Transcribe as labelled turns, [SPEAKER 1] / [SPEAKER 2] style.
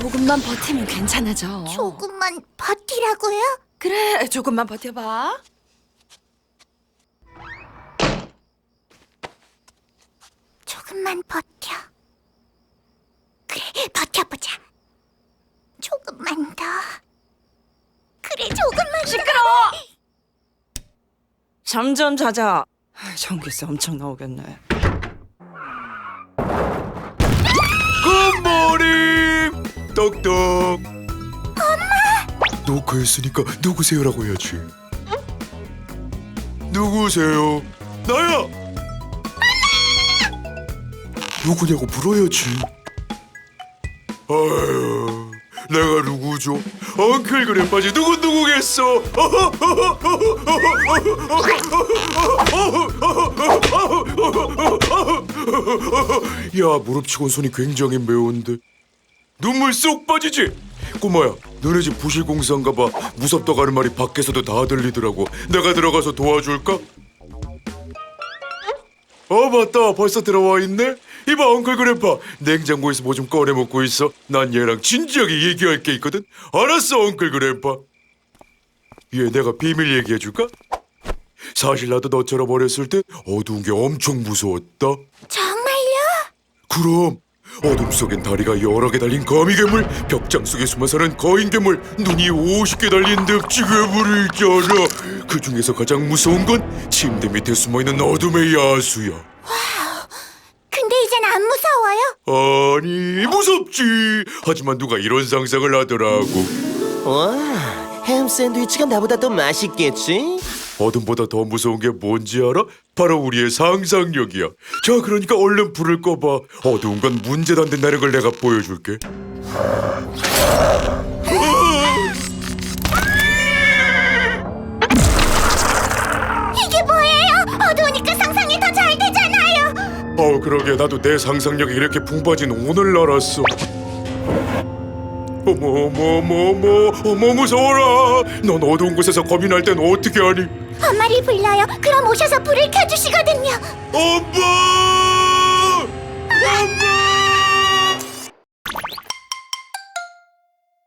[SPEAKER 1] 조금만 버티면 괜찮아져.
[SPEAKER 2] 조금만 버티라고요?
[SPEAKER 1] 그래, 조금만 버텨봐.
[SPEAKER 2] 조금만 버텨. 그래, 버텨보자. 조금만 더. 그래, 조금만 더.
[SPEAKER 1] 시끄러워! 점점 잦아. 전기세 엄청 나오겠네.
[SPEAKER 3] 굿모닝! 똑똑. 엄마! 녹화했으니까 누구세요라고 해야지. 누구세요? 나야! 누구냐고 물어야지. 아유, 내가 누구죠? 엉클 그래빠지 누구겠어? 야, 무릎 치곤 손이 굉장히 매운데 눈물 쏙 빠지지? 꼬마야, 너네 집 부실공사인가 봐. 무섭다고 하는 말이 밖에서도 다 들리더라고. 내가 들어가서 도와줄까? 맞다, 벌써 들어와 있네? 이봐, 엉클 그래파, 냉장고에서 뭐 좀 꺼내 먹고 있어. 난 얘랑 진지하게 얘기할 게 있거든. 알았어, 엉클 그래파. 얘 내가 비밀 얘기해줄까? 사실 나도 너처럼 어렸을 때 어두운 게 엄청 무서웠다.
[SPEAKER 2] 정말요?
[SPEAKER 3] 그럼 어둠 속엔 다리가 여러 개 달린 거미괴물, 벽장 속에 숨어 사는 거인괴물, 눈이 50개 달린 늪지 괴물이 있잖아. 그 중에서 가장 무서운 건 침대 밑에 숨어있는 어둠의 야수야.
[SPEAKER 2] 근데 이젠 안 무서워요?
[SPEAKER 3] 아니, 무섭지. 하지만 누가 이런 상상을 하더라고.
[SPEAKER 4] 와, 햄 샌드위치가 나보다 더 맛있겠지?
[SPEAKER 3] 어둠보다 더 무서운 게 뭔지 알아? 바로 우리의 상상력이야. 자, 그러니까 얼른 불을 꺼봐. 어두운 건 문제도 안 된다는 걸 내가 보여줄게.
[SPEAKER 2] 이게 뭐예요? 어두우니까 상상이 더 잘 되잖아요.
[SPEAKER 3] 그러게, 나도 내 상상력이 이렇게 풍부해진 오늘 알았어. 어머, 무서워라. 넌 어두운 곳에서 겁이 날 땐 어떻게 하니?
[SPEAKER 2] 엄마를 불러요. 그럼 오셔서 불을 켜주시거든요.
[SPEAKER 3] 엄마! 엄마!